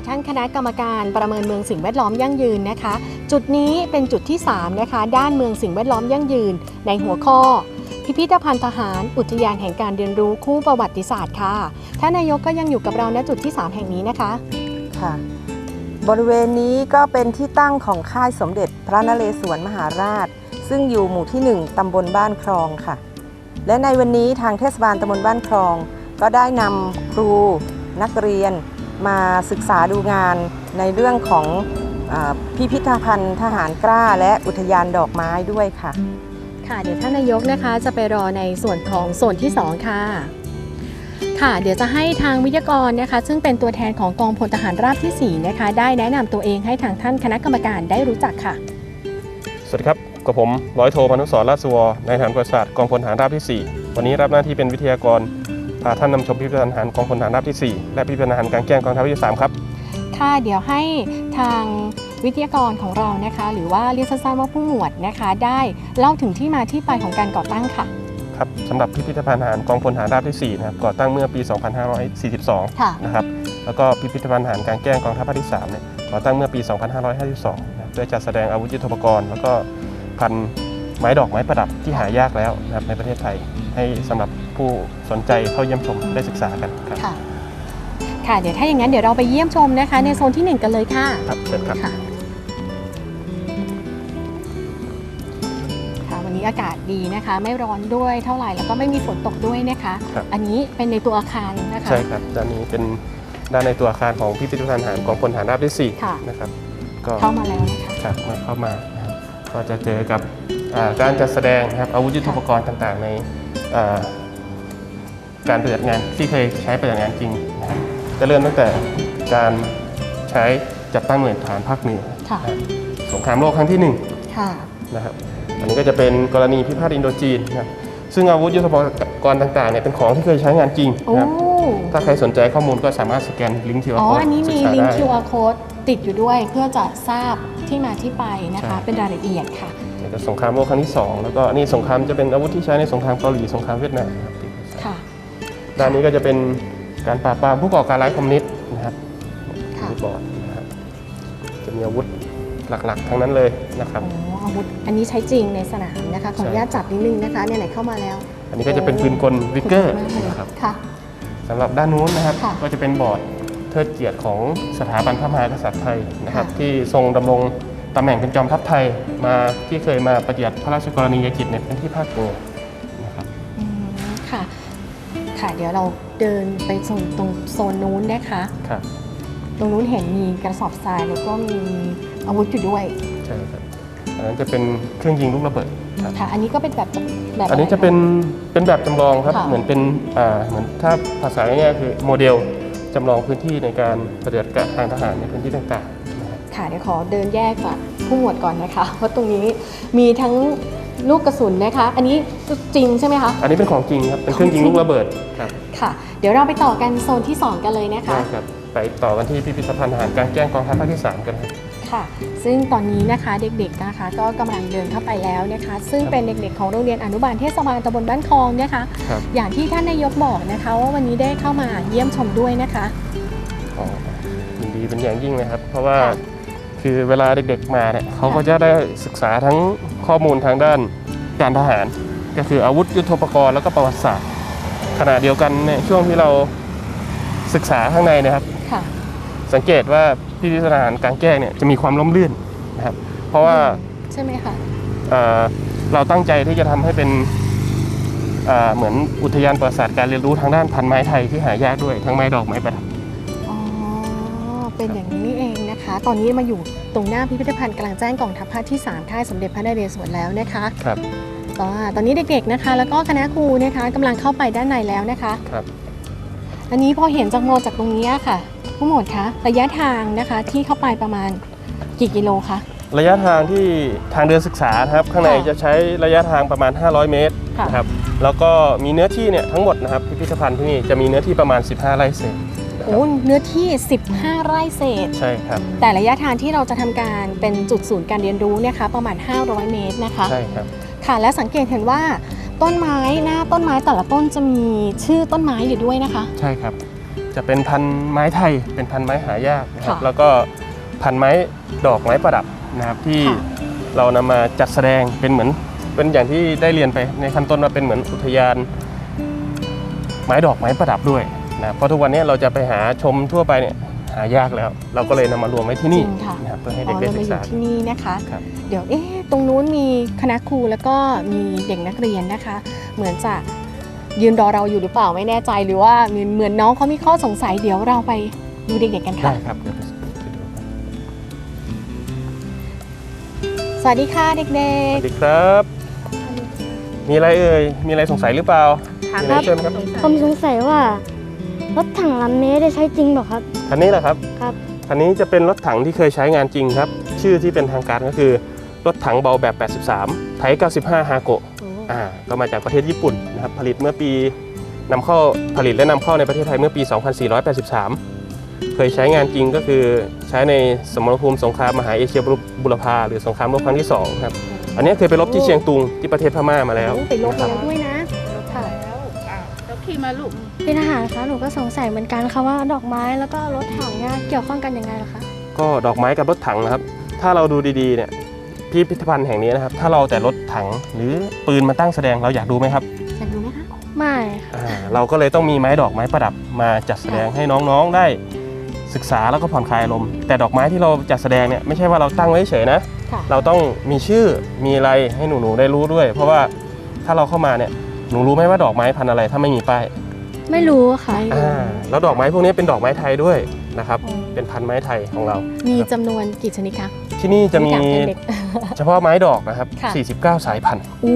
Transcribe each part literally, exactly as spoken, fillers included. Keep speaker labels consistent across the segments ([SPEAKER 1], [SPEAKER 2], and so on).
[SPEAKER 1] ท่านคณะกรรมการประเมินเมืองสิ่งแวดล้อมยั่งยืนนะคะจุดนี้เป็นจุดที่สามนะคะด้านเมืองสิ่งแวดล้อมยั่งยืนในหัวข้อพิพิธภัณฑ์ทหารอุทยานแห่งการเรียนรู้คู่ประวัติศาสตร์ค่ะท่านนายกก็ยังอยู่กับเราณจุดที่สามแห่งนี้นะคะ
[SPEAKER 2] ค่ะบริเวณนี้ก็เป็นที่ตั้งของค่ายสมเด็จพระนเรศวรมหาราชซึ่งอยู่หมู่ที่หนึ่งตำบลบ้านคลองค่ะและในวันนี้ทางเทศบาลตำบลบ้านคลองก็ได้นำครูนักเรียนมาศึกษาดูงานในเรื่องของพิพิธภัณฑ์ทหารกล้าและอุทยานดอกไม้ด้วยค่ะ
[SPEAKER 1] ค่ะเดี๋ยวท่านนายกนะคะจะไปรอในส่วนของโซนที่สองค่ะค่ะเดี๋ยวจะให้ทางวิทยากรนะคะซึ่งเป็นตัวแทนของกองพลทหารราบที่สี่นะคะได้แนะนำตัวเองให้ทางท่านคณะกรรมการได้รู้จักค่ะ
[SPEAKER 3] สวัสดีครับกับผมร้อยโทพานุสรราชสุวรนายทหารประวัติศาสตร์กองพลทหารราบที่สี่วันนี้รับหน้าที่เป็นวิทยากรพาท่านนำชมพิพิธภัณฑ์ทหารกองพลทหารราบที่สี่และพิพิธภัณฑ์ทหารกลางแจ้งกองทัพภาคที่สามครับ
[SPEAKER 1] ค่ะเดี๋ยวให้ทางวิทยากรของเรานะคะหรือว่าเรียกสั้นๆว่าผู้หมวดนะคะได้เล่าถึงที่มาที่ไปของการก่อตั้งค่ะ
[SPEAKER 3] ครับสำหรับพิพิธภัณฑ์ทหารกองพลทหารราบที่สี่นะครับก่อตั้งเมื่อปี สองพันห้าร้อยสี่สิบสองนะครับแล้วก็พิพิธภัณฑ์ทหารกลางแจ้งกองทัพภาคที่สามเนี่ยก่อตั้งเมื่อปี สองพันห้าร้อยห้าสิบสองนะเพื่อจัดแสดงอาวุธยุทโธปกรณ์แล้วก็พันไม้ดอกไม้ประดับที่หายากแล้วนะครับในประเทศไทยให้สำหรับผู้สนใจเข้าเยี่ยมชมได้ศึกษากันครับ
[SPEAKER 1] ค่ะค่ะเดี๋ยวถ้าอย่างนั้นเดี๋ยวเราไปเยี่ยมชมนะคะในโซนที่หนึ่งกันเลยค่ะ
[SPEAKER 3] ครับเชิญครับ
[SPEAKER 1] ค่ะวันนี้อากาศดีนะคะไม่ร้อนด้วยเท่าไหร่แล้วก็ไม่มีฝนตกด้วยนะคะอันนี้เป็นในตัวอาคารนะคะ
[SPEAKER 3] ใช่ครับด้านนี้เป็นด้านในตัวอาคารของพิพิธภัณฑ์ทหารกองพลทหารราบที่สี่นะครับ
[SPEAKER 1] ก็เข้ามาแล้วนะคะ
[SPEAKER 3] ครับมาเข้ามาก็จะเจอกับการจัดแสดงนะครับอาวุธยุทโธปกรณ์ต่างๆในการปฏิบัติงานที่เคยใช้ปฏิบัติงานจริงนะครับจะเริ่มตั้งแต่การใช้จัดตั้งหน่วยฐานภาคเหนือสงครามโลกครั้งที่หนึ่งนะครับอันนี้ก็จะเป็นกรณีพิพาทอินโดจีนนะครับซึ่งอาวุธยุทโธปกรณ์ต่างๆเนี่ยเป็นของที่เคยใช้งานจริงนะครับถ้าใครสนใจข้อมูลก็สามารถสแกนลิงก์ คิว อาร์
[SPEAKER 1] Code อ๋ออันนี้มีลิงก์
[SPEAKER 3] คิว
[SPEAKER 1] อาร์ Code ติดอยู่ด้วยเพื่อจะทราบที่มาที่ไปนะคะเป็นรายละเอียดค่ะ
[SPEAKER 3] สงครามโลกครั้งที่สองแล้วก็นี่สงครามจะเป็นอาวุธที่ใช้ในสงครามเกาหลีสงครามเวียดนาม
[SPEAKER 1] ค่ะ
[SPEAKER 3] ด้านนี้ก็จะเป็นการปราบปรามผู้ก่อการร้ายคอมมิวนิสต์นะครับบอร์ดนะครับจะมีอาวุธหลักๆทั้งนั้นเลยนะครับ
[SPEAKER 1] อ๋ออาวุธอันนี้ใช้จริงในสนามนะคะขออนุญาตจับนิดนึงนะคะเนี่ยไหนเข้ามาแล้ว
[SPEAKER 3] อันนี้ก็จะเป็นปืนกลวิกเกอร์นะครับสำหรับด้านนู้นนะครับก็จะเป็นบอร์ดเทิดเกียรติของสถาบันพระมหากษัตริย์ไทยนะครับที่ทรงดำรงตำแหน่งเป็นจอมทัพไทยมาที่เคยมาปฏิบัติพระราชกรณียกิจในพื้นที่ภาคเหนือนะครับ
[SPEAKER 1] ค่ะค่ะเดี๋ยวเราเดินไปโซนตรงโซนนู้นนะคะ
[SPEAKER 3] ครับ
[SPEAKER 1] ตรงนู้นเห็นมีกระสอบทรายแล้วก็มีอาวุธอยู่ด้วย
[SPEAKER 3] ใช่ครับอันนั้นจะเป็นเครื่องยิงลูกระเบิด
[SPEAKER 1] ค่ะอันนี้ก็เป็นแบบแบบ
[SPEAKER 3] อันนี้จะเป็นเป็นแบบจำลองครับเหมือนเป็นอ่าเหมือนถ้าภาษาง่ายๆคือโมเดลจำลองพื้นที่ในการปฏิบัติการทางทหารในพื้นที่ต่าง
[SPEAKER 1] ๆค่ะเดี๋ยวขอเดินแยกจากผู้หมวดก่อนนะคะเพราะตรงนี้มีทั้งลูกกระสุนนะคะอันนี้จริงใช่ไหมคะ
[SPEAKER 3] อันนี้เป็นของจริงครับเป็นเครื่องยิงลูกระเบิดครับ
[SPEAKER 1] ค่ะเดี๋ยวเราไปต่อกันโซนที่สองกันเลยนะคะ
[SPEAKER 3] ได้ครับไปต่อกันที่พิพิธภัณฑ์ทหารกลางแจ้งกองทัพภาคที่สามกันครับ
[SPEAKER 1] ค่ะซึ่งตอนนี้นะคะเด็กๆนะคะก็กำลังเดินเข้าไปแล้วนะคะซึ่งเป็นเด็กๆของโรงเรียนอนุบาลเทศบาลตำบลบ้านคลองนะคะอย่างที่ท่านนายกบอกนะคะว่าวันนี้ได้เข้ามาเยี่ยมชมด้วยนะคะ
[SPEAKER 3] อ๋อยินดีเป็นอย่างยิ่งเลยครับเพราะว่าคือเวลาเด็กๆมาเนี่ยเขาก็จะได้ศึกษาทั้งข้อมูลทางด้านการทหารก็คืออาวุธยุทโธปกรณ์แล้วก็ประวัติศาสตร์ขณะเดียวกันในช่วงที่เราศึกษาข้างในนะครับสังเกตว่าพิพิธภัณฑ์ทหารกลางแจ้งเนี่ยจะมีความล้มลื่นนะครับเพราะว่า
[SPEAKER 1] ใช่ไหมคะ
[SPEAKER 3] เราตั้งใจที่จะทำให้เป็นเหมือนอุทยานประวัติศาสตร์การเรียนรู้ทางด้านพันไม้ไทยที่หายากด้วยทั้งไม้ดอกไม้ประดับ
[SPEAKER 1] อ๋อเป็นอย่างนี้นี่เองนะคะตอนนี้มาอยู่ตรงหน้าพิพิธภัณฑ์กลางแจ้งกองทัพภาคที่สามค่ายสมเด็จพระนเรศวรแล้วนะคะ
[SPEAKER 3] ครับ
[SPEAKER 1] ตอนนี้เด็กๆนะคะแล้วก็คณะครูนะคะกำลังเข้าไปด้านในแล้วนะคะ
[SPEAKER 3] ครับ
[SPEAKER 1] อันนี้พอเห็นจากโมจากตรงนี้ค่ะผู้หมวดคะระยะทางนะคะที่เข้าไปประมาณกี่กิโลคะ
[SPEAKER 3] ระยะทางที่ทางเดินศึกษาครับข้างในจะใช้ระยะทางประมาณห้าร้อยเมตรนะครับแล้วก็มีเนื้อที่เนี่ยทั้งหมดนะครับพิพิธภัณฑ์ที่นี่จะมีเนื้อที่ประมาณสิบห้าไร่เศษ
[SPEAKER 1] โอ้เนื้อที่สิบห้าไร่เศษ
[SPEAKER 3] ใช่ครับ
[SPEAKER 1] แต่ระยะทางที่เราจะทำการเป็นจุดศูนย์การเรียนรู้เนี่ยค่ะประมาณห้าร้อยเมตรนะคะ
[SPEAKER 3] ใช่ครับ
[SPEAKER 1] ค่ะและสังเกตเห็นว่าต้นไม้หน้าต้นไม้แต่ละต้นจะมีชื่อต้นไม้อยู่ด้วยนะคะ
[SPEAKER 3] ใช่ครับจะเป็นพันไม้ไทยเป็นพันไม้หายากนะครับ
[SPEAKER 1] ค่ะ
[SPEAKER 3] แล้วก็พันไม้ดอกไม้ประดับนะครับที่
[SPEAKER 1] ค่ะ
[SPEAKER 3] เรานำมาจัดแสดงเป็นเหมือนเป็นอย่างที่ได้เรียนไปในขั้นต้นว่าเป็นเหมือนอุทยานไม้ดอกไม้ประดับด้วยนะเพราะทุกวันนี้เราจะไปหาชมทั่วไปเนี่ยหายากแล้ว เราก็เลยนำมารวมไว้ที่นี่
[SPEAKER 1] จริงค่ะ
[SPEAKER 3] นะครับเพื่อให้
[SPEAKER 1] อ๋
[SPEAKER 3] เด็
[SPEAKER 1] อก
[SPEAKER 3] ได้
[SPEAKER 1] เรา
[SPEAKER 3] ศึ
[SPEAKER 1] มาก อยู่
[SPEAKER 3] ษา
[SPEAKER 1] ที่นี่นะคะ
[SPEAKER 3] ครับ
[SPEAKER 1] เดี๋ยวเอ๊ะตรงนู้นมีคณะครูแล้วก็มีเด็กนักเรียนนะคะ เหมือนจะยืนรอเราอยู่หรือเปล่าไม่แน่ใจหรือว่าเหมือนเหมือนน้องเขามีข้อสงสัยเดี๋ยวเราไปดูเด็กๆกันค่ะ
[SPEAKER 3] ได้ครับเดี๋ยวไปดูกัน
[SPEAKER 1] สวัสดีค่ะเด็
[SPEAKER 3] ส
[SPEAKER 1] ก
[SPEAKER 3] วัสดีครับ มีอะไรเอ่ยมีอะไรสงสัยหรือเปล่ามีอะไรเชิญครับ
[SPEAKER 4] ผมสงสัยว่ารถถังลำนี้ได้ใช้จริงเปล่าครับ
[SPEAKER 3] คันนี้แหละครับ
[SPEAKER 4] ครับ
[SPEAKER 3] คันนี้จะเป็นรถถังที่เคยใช้งานจริงครับ ชื่อที่เป็นทางการก็คือรถถังเบาแบบ แปดสิบสาม ไทย เก้าสิบห้า ฮาโกะ อ่า ก็มาจากประเทศญี่ปุ่นนะครับ ผลิตเมื่อปีนำเข้าผลิตและนำเข้าในประเทศไทยเมื่อปี สองพันสี่ร้อยแปดสิบสาม เคยใช้งานจริงก็คือใช้ในสมรภูมิสงครามมหาเอเชียบุรพาหรือสงครามโลกครั้งที่สองครับ อันนี้เคยไปรบที่เชียงตุงที่ประเทศพม่ามา
[SPEAKER 1] ๆ
[SPEAKER 3] แล้ว
[SPEAKER 1] โอ้ไปลบ
[SPEAKER 3] นะค
[SPEAKER 1] มา
[SPEAKER 3] รับ
[SPEAKER 1] แล้วด้วยนะค่ะ
[SPEAKER 5] แล้วขี่มาลูก
[SPEAKER 4] พี่ทหารคะหนูก็สงสัยเหมือนกันค่ะว่าดอกไม้แล้วก็รถถังเนี่ยเกี่ยวข้องกันยังไงล่ะคะ
[SPEAKER 3] ก็ดอกไม้กับรถถังนะครับ ถ้าเราดูดีๆเนี่ยพิพิธภัณฑ์แห่งนี้นะครับ ถ้าเราแต่รถถังหรือปืนมาตั้งแสดงเราอยากดูไหมครับ
[SPEAKER 1] อยากดูไหมคะ
[SPEAKER 4] ไม่ค่ะ
[SPEAKER 3] อ่าเราก็เลยต้องมีไม้ดอกไม้ประดับมาจัดแสดงให้น้องๆได้ศึกษาแล้วก็ผ่อนคลายอารมณ์แต่ดอกไม้ที่เราจัดแสดงเนี่ยไม่ใช่ว่าเราตั้งไว้เฉยๆนะ
[SPEAKER 1] ค่ะ
[SPEAKER 3] เราต้องมีชื่อมีอะไรให้หนูๆได้รู้ด้วย เพราะว่าถ้าเราเข้ามาเนี่ยหนูรู้ไหมว่าดอกไม้พันธุ์อะไรถ้าไม่มีป้าย
[SPEAKER 4] ไม่รู้ค่ะ
[SPEAKER 3] อ่าแล้วดอกไม้พวกนี้เป็นดอกไม้ไทยด้วยนะครับเป็นพันธุ์ไม้ไทยของเรา
[SPEAKER 1] มีจำนวนกี่ชนิดคะ
[SPEAKER 3] ที่นี่จะมี
[SPEAKER 1] ถาแทนเด็ก
[SPEAKER 3] เฉพาะไม้ดอกนะครับ
[SPEAKER 1] ค่ะ
[SPEAKER 3] สี่สิบเก้า สายพันธุ์
[SPEAKER 1] โอ้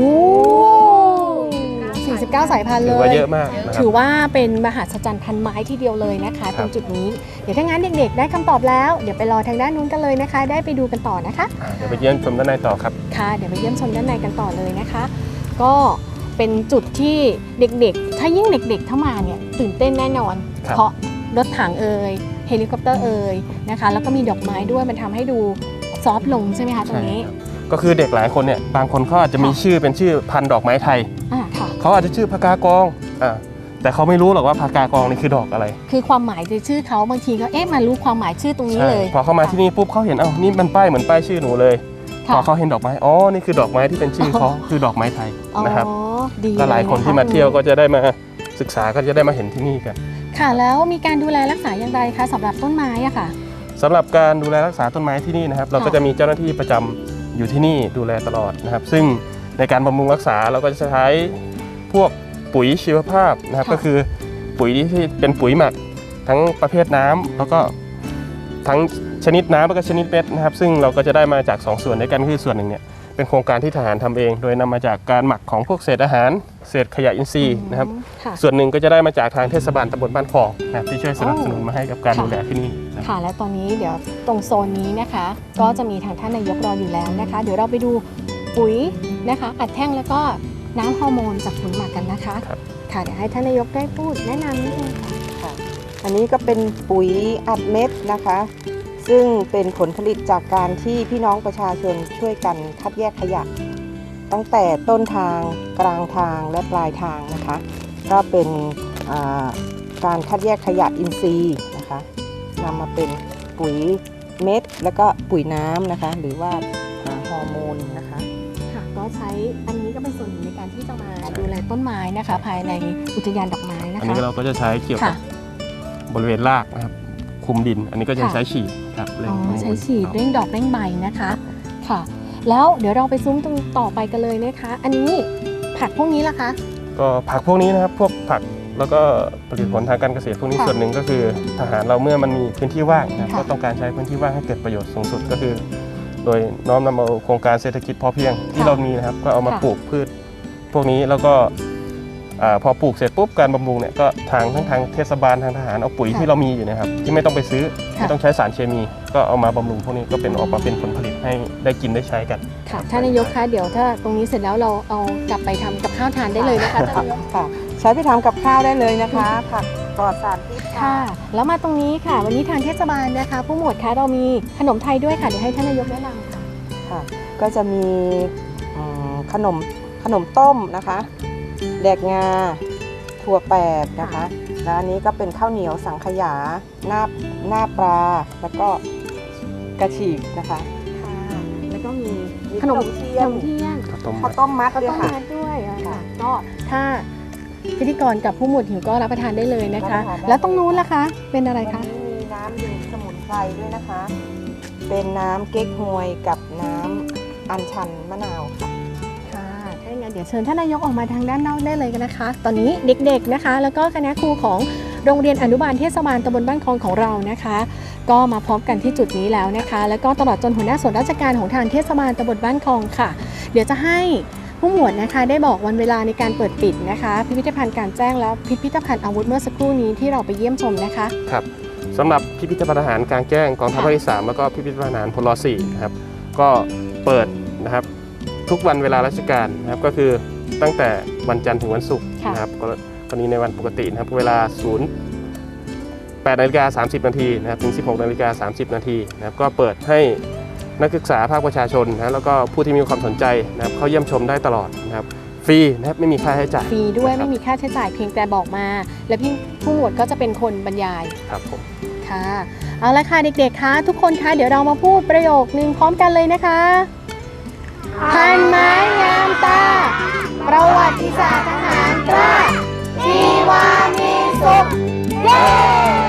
[SPEAKER 1] สี่สิบเก้าสายพันธุ์เล
[SPEAKER 3] ถือว่าย เยอะมากนะครั
[SPEAKER 1] ถื
[SPEAKER 3] บ
[SPEAKER 1] อว่าเป็นมหัศจรรย์พันไม้ที่เดียวเลยนะคะ
[SPEAKER 3] ค
[SPEAKER 1] ต
[SPEAKER 3] รั
[SPEAKER 1] ร
[SPEAKER 3] บ
[SPEAKER 1] งจุดนี้ เดี๋ยวถ้างั้นเด็กๆ ได้คำตอบแล้ว เดี๋ยวไปรอทางด้านนู้นกันเลยนะคะ ได้ไปดูกันต่อนะคะ
[SPEAKER 3] อ่าเดี๋ยวไปเยี่ยมชมด้านในต่อครับ
[SPEAKER 1] ค่ะ เดี๋ยวไปเยี่ยมชมด้านในกันต่อเลยนะคะ ก็เป็นจุดที่เด็กๆ ถ้ายิ่งเด็กๆเข้ามาเนี่ยตื่นเต้นแน่นอน
[SPEAKER 3] ครับ
[SPEAKER 1] เพราะรถถังเอ่ยเฮลิคอปเตอร์เอ่ยนะคะ แล้วก็มีดอกไม้ด้วยมันทำให้ดูซอฟต์ลงใช่ไหมคะตรงนี้
[SPEAKER 3] ใช่ครับก็คือเด็กหลายคนเนี่ยบางคนเขาอาจจะมี
[SPEAKER 1] ค่ะ
[SPEAKER 3] ชื่อเป็นชื่อพันธุ์ดอกไม้ไทย
[SPEAKER 1] อ่าค่ะ
[SPEAKER 3] เขาอาจจะชื่อพากากองอ่าแต่เขาไม่รู้หรอกว่าพากากองนี่คือดอกอะไร
[SPEAKER 1] คือความหมายในชื่อเขาบางทีก็เอ๊ะมารู้ความหมายชื่อตรงนี้
[SPEAKER 3] ใช่
[SPEAKER 1] เลย
[SPEAKER 3] พอเข้ามาที่นี่ปุ๊บเขาเห็นเอ้านี่มันป้ายเหมือนป้ายชื่อหนูเลย
[SPEAKER 1] ค่ะ
[SPEAKER 3] พอเขาเห็นดอกไม้อ๋อนี่คือดอกไม้ที่เป็นชื่อเขาคือดอกไม้ไทย
[SPEAKER 1] อ๋อ
[SPEAKER 3] นะครับ
[SPEAKER 1] ดี
[SPEAKER 3] ก็หลายคน
[SPEAKER 1] ะะ
[SPEAKER 3] ที่มาเที่ยวก็จะได้มาศึกษาก็จะได้มาเห็นที่นี่กัน
[SPEAKER 1] ค่ะแล้วมีการดูแลรักษาอย่างไรคะสำหรับต้นไม้อะค่ะ
[SPEAKER 3] สำหรับการดูแลรักษาต้นไม้ที่นี่นะครับ เราก็
[SPEAKER 1] ค่ะ
[SPEAKER 3] จะมีเจ้าหน้าที่ประจำอยู่ที่นี่ดูแลตลอดนะครับ ซึ่งในการบำรุงรักษาเราก็จะใช้พวกปุ๋ยชีวภาพนะครับ ก็คือปุ๋ยที่เป็นปุ๋ยหมักทั้งประเภทน้ำแล้วก็ทั้งชนิดน้ำแล้วก็ชนิดเม็ดนะครับ ซึ่งเราก็จะได้มาจากสองส่วนด้วยกันคือส่วนหนึ่งเนี่ยเป็นโครงการที่ทหารทำเอง โดยนำมาจากการหมักของพวกเศษอาหาร เศษขยะอินทรีย์นะครับ
[SPEAKER 1] ค่ะ
[SPEAKER 3] ส่วนหนึ่งก็จะได้มาจากทางเทศบาลตำบลบ้านคลองนะครับที่ช่วยสนับสนุนมาให้กับการ
[SPEAKER 1] ค่ะ
[SPEAKER 3] ดูแลที่นี่นะครับ
[SPEAKER 1] ค่ะและตอนนี้เดี๋ยวตรงโซนนี้นะคะ ก็จะมีทางท่านนายกรออยู่แล้วนะคะ เดี๋ยวเราไปดูปุ๋ยนะคะอัดแท่งแล้วก็น้ำฮอร์โมนจากปุ๋ยหมักกันนะคะ
[SPEAKER 3] ครับ
[SPEAKER 1] ค่ะเดี๋ยวให้ท่านนายกได้พูดแนะนำนิดนึงค่ะ
[SPEAKER 2] ค่ะอันนี้ก็เป็นปุ๋ยอัดเม็ดนะคะ ซึ่งเป็นผลผลิตจากการที่พี่น้องประชาชนช่วยกันคัดแยกขยะ ตั้งแต่ต้นทางกลางทางและปลายทางนะคะ ก็เป็นอ่าการคัดแยกขยะอินทรีย์นะคะนำมาเป็นปุ๋ยเม็ดแล้วก็ปุ๋ยน้ำนะคะ หรือว่าอ่าฮอร์โมนนะคะ
[SPEAKER 1] ค่ะก็ใช้อันนี้ก็เป็นส่วนหนึ่งในการที่จะมาดูแลต้นไม้นะคะ ภายในอุทยานดอกไม้นะ
[SPEAKER 3] อัน
[SPEAKER 1] คะ
[SPEAKER 3] นี้เราก็จะใช้เกี่ยวกั
[SPEAKER 1] ค่ะ
[SPEAKER 3] บบริเวณรากนะครับคลุมดิน อันนี้ก็จะ
[SPEAKER 1] ค่ะ
[SPEAKER 3] ใช้ฉีดครับเร่ง
[SPEAKER 1] อ๋อ
[SPEAKER 3] ฮอร์โมน
[SPEAKER 1] ใช้ฉีด
[SPEAKER 3] ครับ
[SPEAKER 1] เร่งดอกเร่งใบนะคะค่ะ แล้วเดี๋ยวเราไปซุ้มตรงต่อไปกันเลยนะคะ อันนี้ผักพวกนี้ล่ะคะ
[SPEAKER 3] ก็ผักพวกนี้นะครับพวกผักแล้วก็ผลิตผลทางการเกษตรพวกนี้
[SPEAKER 1] ค่ะ
[SPEAKER 3] ส่วนหนึ่งก็คือทหารเราเมื่อมันมีพื้นที่ว่างนะครับ
[SPEAKER 1] ค่ะ
[SPEAKER 3] ก็ต้องการใช้พื้นที่ว่างให้เกิดประโยชน์สูงสุดก็คือ โดยน้อมนำเอาโครงการเศรษฐกิจพอเพียงที่เรามีนะครับก็เอามา
[SPEAKER 1] ค่ะ
[SPEAKER 3] ปลูกพืช พวกนี้แล้วก็อ่าพอปลูกเสร็จปุ๊บการบำรุงเนี่ยก็ทางทั้งทางเทศบาลทางทหารเอาปุ๋ยที่เรามีอยู่นะครับที่ไม่ต้องไปซื้อไม่ต้องใช้สารเคมี ก็เอามาบำรุงพวกนี้ก็เป็นออกมาเป็นผลผลิตให้ได้กินได้ใช้กัน
[SPEAKER 1] ค่ะท่านนายกคะเดี๋ยวถ้าตรงนี้เสร็จแล้วเราเอากลับไปทำกับข้าวทานได้เลยนะคะท่านนายก
[SPEAKER 2] ค่ะ ใช้ไปทำกับข้าวได้เลยนะคะ ผักปลอดสารพิษ
[SPEAKER 1] ค่ะ แล้วมาตรงนี้ค่ะ วันนี้ทางเทศบาลนะคะ ผู้หมวดคะเรามีขนมไทยด้วยค่ะเดี๋ยวให้ท่านนายกแนะนำค่ะ
[SPEAKER 2] ค่ะ ก็จะมีอืมขนมขนมต้มนะคะแหลกงาถั่วแปบนะคะแล้วอันนี้ก็เป็นข้าวเหนียวสังขยาหน้าหน้าปลาแล้วก็กระฉีกนะคะ
[SPEAKER 1] ค่ะแล้วก็มี
[SPEAKER 2] มี
[SPEAKER 1] ขนม
[SPEAKER 2] ขนมเที
[SPEAKER 1] เที
[SPEAKER 2] ย
[SPEAKER 1] ย
[SPEAKER 2] ม
[SPEAKER 1] มเที่ยง
[SPEAKER 3] ข้าวต้ม
[SPEAKER 2] ข้าวต้มมัด
[SPEAKER 1] ข้าว
[SPEAKER 2] ด้วย
[SPEAKER 1] ต้ม
[SPEAKER 2] ค่ะ
[SPEAKER 1] มัดด้วยอะค่ะ
[SPEAKER 2] ค่ะ
[SPEAKER 1] ก็ถ้าพิธีกรกับผู้หมวดหิวก็รับประทานได้เลยนะคะ
[SPEAKER 2] รับประทานได้
[SPEAKER 1] แล้วตรงนู้นล่ะคะ เป็นอะไร
[SPEAKER 2] วัน
[SPEAKER 1] คะ
[SPEAKER 2] นี้มีน้ำดื่มสมุนไพรด้วยนะคะ เป็นน้ำเก๊กฮวยกับน้ำอัญชันมะนาวค่ะ
[SPEAKER 1] ค่ะถ้าอย่างนั้นเดี๋ยวเชิญท่านนายกออกมาทางด้านนอกได้เลยกันนะคะ ตอนนี้เด็กๆนะคะ แล้วก็คณะครูของโรงเรียนอนุบาลเทศบาลตำบลบ้านคลองของเรานะคะ ก็มาพร้อมกันที่จุดนี้แล้วนะคะ แล้วก็ตลอดจนหัวหน้าส่วนราชการของทางเทศบาลตำบลบ้านคลองค่ะ เดี๋ยวจะให้ผู้หมวดนะคะได้บอกวันเวลาในการเปิดปิดนะคะ พิพิธภัณฑ์กลารแจ้งและพิพิธภัณฑ์อาวุธเมื่อสักครู่นี้ที่เราไปเยี่ยมชมนะคะ
[SPEAKER 3] ครับสำหรับพิพิธภัณฑ์ทหารกลางแจ้งกองทัพภาคที่สามแล้วก็พิพิธภัณฑ์ทหารพลสี่นะครับก็เปิดนะครับทุกวันเวลาราชการนะครับก็คือตั้งแต่วันจันทร์ถึงวันศุกร์
[SPEAKER 1] ค่ะ
[SPEAKER 3] นะครับกรณีในวันปกตินะครับเวลาศูนย์แปดนาฬิกาสามสิบนาทีนะครับถึงสิบหกนาฬิกาสามสิบนาทีนะครับก็เปิดให้นักศึกษาภาคประชาชนนะแล้วก็ผู้ที่มีความสนใจนะครับเข้าเยี่ยมชมได้ตลอดนะครับฟรีนะครับไม่มีค่าใช้จ่าย
[SPEAKER 1] ฟรีด้วย
[SPEAKER 3] นะครับ
[SPEAKER 1] ไม่มีค่าใช้จ่ายเพียงแต่บอกมา และพี่ผู้หมวดก็จะเป็นคนบรรยาย
[SPEAKER 3] ครับผม
[SPEAKER 1] ค่ะเอาละค่ะเด็กๆคะทุกคนคะเดี๋ยวเรามาพูดประโยคนึงพร้อมกันเลยนะคะพันไม้งามตา ประวัติศาสตร์ทหารกล้าชีวามีสุขเย้